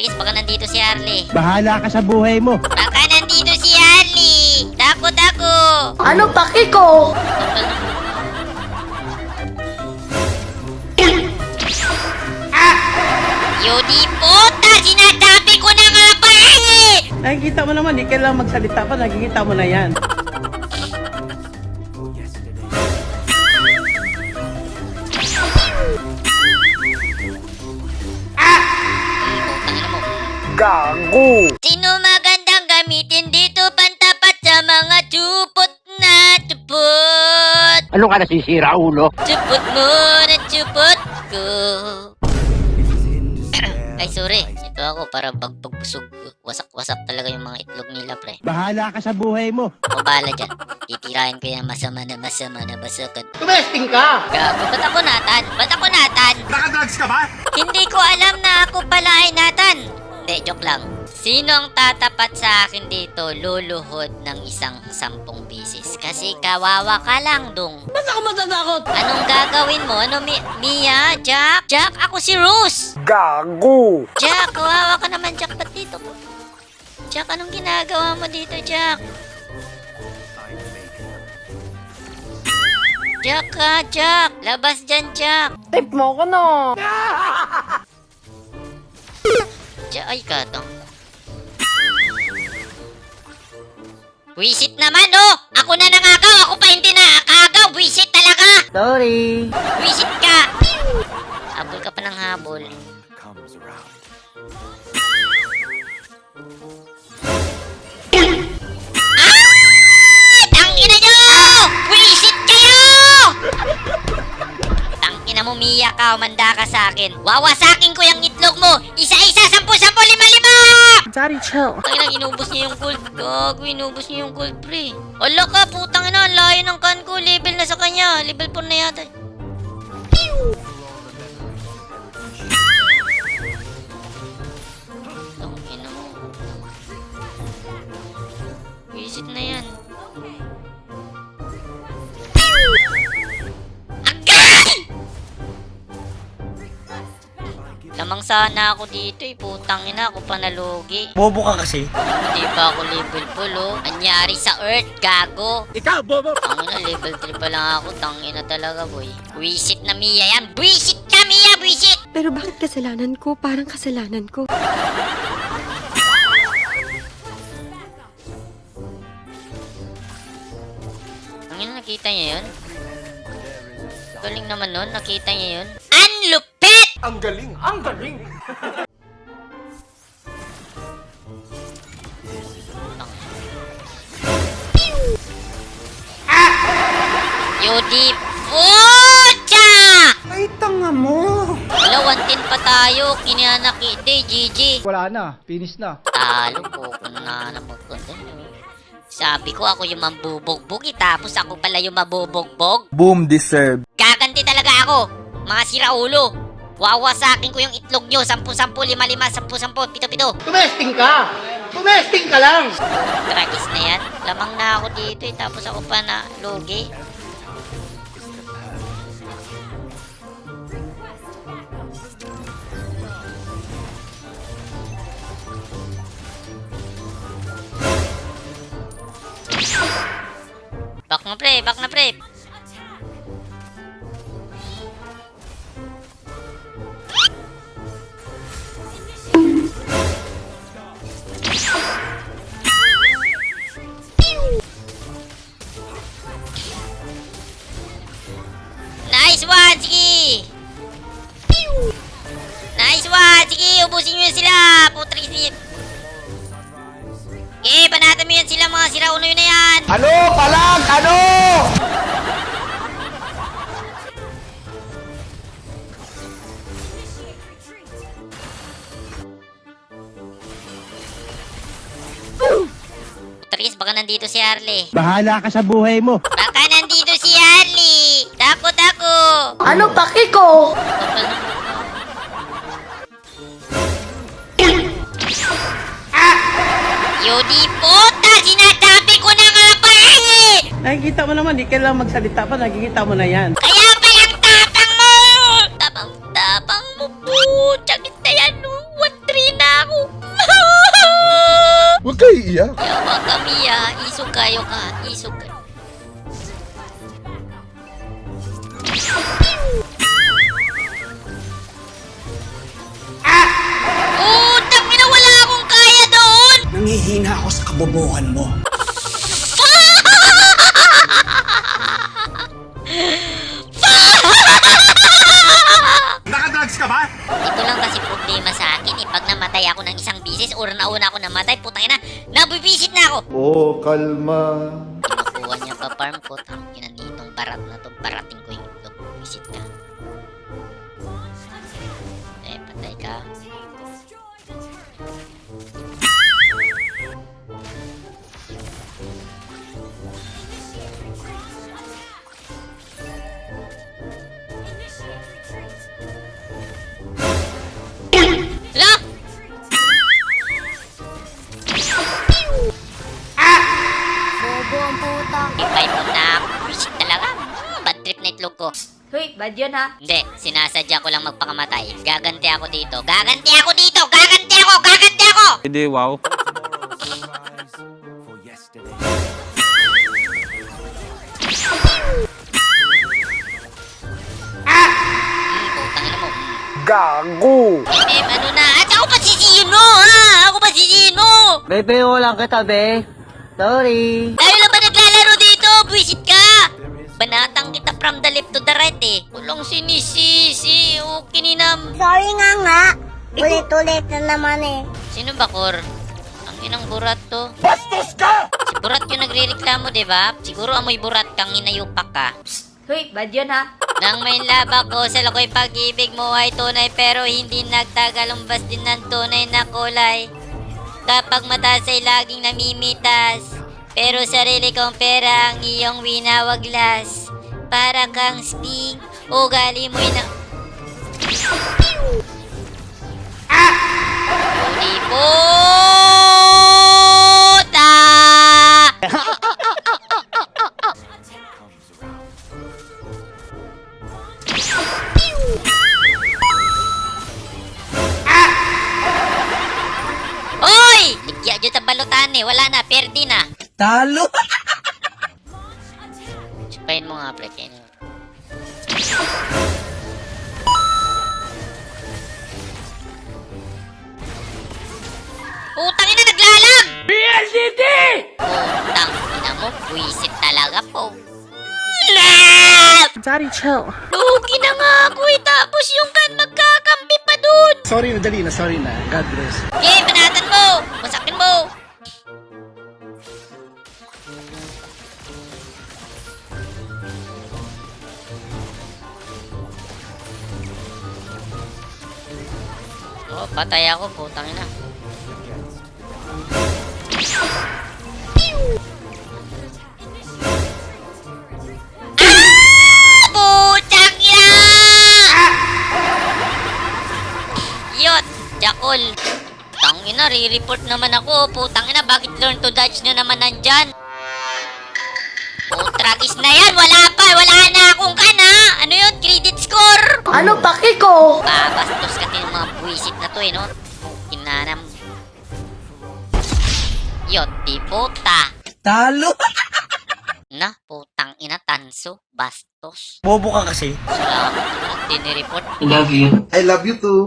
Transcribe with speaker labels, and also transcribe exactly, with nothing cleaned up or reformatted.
Speaker 1: Tris, baka nandito si Harley.
Speaker 2: Bahala ka sa buhay mo.
Speaker 1: Baka nandito si Harley. Dako, dako.
Speaker 3: Ano paki ko?
Speaker 1: Yodi puta, sinasabi ko na nga ba eh!
Speaker 4: Nakikita mo naman, di kailangan magsalita pa, nakikita mo na yan.
Speaker 1: Putangina mo.
Speaker 2: Gago!
Speaker 1: Sino magandang gamitin dito pantapat sa mga tupot na tupot?
Speaker 2: Ano ka nasisira, ulo?
Speaker 1: Tupot mo na tupot ko. Ay, sorry. Ito ako para pagpagbusog. Wasak-wasak talaga yung mga itlog nila, pre.
Speaker 2: Bahala ka sa buhay mo.
Speaker 1: O bala dyan. Titirahin ko yung masama na masama na basakan.
Speaker 4: Tumesting ka!
Speaker 1: Gago, ba't ako Nathan? Ba't ako Nathan?
Speaker 2: Nakadrugs ka ba?
Speaker 1: Hindi ko alam na ako pala ay Nathan. Hindi, joke lang. Sino ang tatapat sa akin dito luluhod ng isang sampung bisis? Kasi kawawa ka lang, dong.
Speaker 4: Ba't ako matatakot?
Speaker 1: Anong gagawin mo? Ano, Mi Mia? Jack? Jack, ako si Rose!
Speaker 2: Gago!
Speaker 1: Jack, kawawa ka naman, Jack. Ba't dito? Jack, anong ginagawa mo dito, Jack? Jack ka, Jack! Labas dyan, Jack!
Speaker 4: Tip mo ko no!
Speaker 1: Jack, ay katang. Wisit naman, oh! Ako na nangagaw! Ako pa hindi nakagaw! Wisit talaga!
Speaker 4: Sorry!
Speaker 1: Wisit ka! Habol ka pa ng habol. Ah! Tangina nyo! Wisit kayo! Tangina mo, Mia ka, umanda ka sa akin. Wawasakin ko yung itlog mo! Isa-isa, sampu-sampu, lima-lima!
Speaker 4: Daddy, chill.
Speaker 1: Tangina, inubos niya yung gold. Gago, inubos niya yung gold, pre. Ala ka, putang ina, ang layo ng kan ko. Level na sa kanya. Level four na yata. Tangina mo. Visit na yan. Agay! Lamang sana ako dito eh. Putang ina, ako pa nalugi.
Speaker 2: Bobo ka kasi.
Speaker 1: Hindi pa ako level full, oh. Anyari sa Earth, gago.
Speaker 2: Ikaw, bobo!
Speaker 1: Tangina, level three pa lang ako. Tangina talaga, boy. Wisit na Mia yan. Wisit ka, Mia! Wisit!
Speaker 3: Pero bakit kasalanan ko? Parang kasalanan ko.
Speaker 1: Tangina, nakita niya yun? Galing naman nun. Nakita niya yun? Ang lupit!
Speaker 2: Ang galing! Ang galing!
Speaker 1: Yodi pucha!
Speaker 2: Ay, tanga mo!
Speaker 1: Wala, one ten pa tayo. Kinanaki. Hindi, G G.
Speaker 2: Wala na. Finish na.
Speaker 1: Talo po. Kung na na magkanda. Sabi ko ako yung mambubugbog eh, tapos ako pala yung mabubugbog.
Speaker 2: Boom deserve.
Speaker 1: Gaganti talaga ako. Mga siraulo. Wawasakin ko yung itlog nyo. Sampu-sampu, lima-lima, sampu-sampu, pito-pito.
Speaker 4: Tumesting ka! Tumesting ka lang!
Speaker 1: Tragis na yan. Lamang na ako dito eh, tapos ako pa na lugi. Back na pre, back na pre. Nice one, sige. Nice one, sige, ubusin nyo sila. Putris niya. Okay, banatan mo yan sila, mga sirauno yun na yan.
Speaker 2: Ano? Palag! Ano?
Speaker 1: Tris, baka nandito si Harley.
Speaker 2: Bahala ka sa buhay mo.
Speaker 1: Baka nandito si Harley. Dako, dako.
Speaker 3: Ano paki ko?
Speaker 1: Yodi puta, sinasabi ko na nga ba eh!
Speaker 4: Nakikita mo naman, di kailangan magsalita pa, nakikita mo na yan.
Speaker 1: Kaya palang tapang mo! Tapang-tapang mo po! Tsakit na yan, no? one three na ako!
Speaker 5: Huwag kayo iiyak.
Speaker 1: Yawa kami ah. Isog kayo ka. Isog kayo. Ah! Oh, tangina, wala akong kaya doon!
Speaker 2: Nangihina ako sa kabobohan mo.
Speaker 5: Nakadrugs ka ba?
Speaker 1: Ito lang kasi problema sa akin eh. Pag namatay ako ng isang bisis or nauna ako namatay, putang ina, nabibisit na ako!
Speaker 5: Oh, kalma.
Speaker 1: Kinukuha niya pa farm ko. Ang ina nitong barat na to. Barating ko yung itlog. Visit ka. Eh, patay ka. Hala!
Speaker 3: Bobo ang puta.
Speaker 1: Ipay mo na ako. Visit talaga. Bad trip na itlog ko.
Speaker 3: Hoy, bad yun ha.
Speaker 1: Hindi, sinasadya ko lang magpakamatay. Gaganti ako dito. Gaganti ako dito! Gaganti ako! Gaganti ako!
Speaker 2: Hindi, wow.
Speaker 1: Hmm, putang ina mo.
Speaker 2: Gago!
Speaker 1: Eh, ano na? At ako pa sisino, ha? Ako pa sisino!
Speaker 2: Bebe, walang kita, be. Sorry.
Speaker 1: Tayo lang ba naglalaro dito? Buwisit ka! Banatang kita from the left to the right eh. Kulong sinisisi. O, kininam.
Speaker 6: Sorry nga nga. Ulit-ulit na naman eh.
Speaker 1: Sino ba, Kor? Ang inang burat to. Bastos ka! Si burat yung nagre-reklamo, di ba? Siguro amoy burat kang inayupak ka.
Speaker 3: Hoy, bad yun ha.
Speaker 1: Nang may labak ko sa lakoy pag-ibig mo ay tunay pero hindi nagtagal umbas din ng tunay na kulay. Kapag mataas ay laging namimitas. Pero sarili kong pera ang iyong winawaglas. Para kang sping, ugali mo'y na... Ah! Puta! Oy! Ligya dyan sa balutan eh. Wala na. Perdi na.
Speaker 2: Talo!
Speaker 1: Supayin mo nga, pre. Kainin mo. Putang ina, naglalag! B L C D! Putang ina mo. Buisit talaga po. Lab!
Speaker 4: Daddy, chill.
Speaker 1: Lugi na nga ako eh. Tapos yung kan magkakampi pa dun.
Speaker 2: Sorry na, dali na, sorry na. God bless.
Speaker 1: Okay, banatan mo! Masakin mo! Oh, patay ako, putang ina. Ah! Putang ina! Yot, Jakol. Tangina, re-report naman ako. Putang ina, bakit learn to dodge na naman nandyan? Putragis na yan, wala pa, wala na akong kana. Ano yun, credit score?
Speaker 3: Ano paki ko?
Speaker 1: Babastos ka din yung mga buwisit na to eh, no? Kinanam. Yot, di puta.
Speaker 2: Talo!
Speaker 1: Na, putang ina, tanso, bastos.
Speaker 2: Bobo ka kasi.
Speaker 1: Salamat, tinireport.
Speaker 5: I love you too.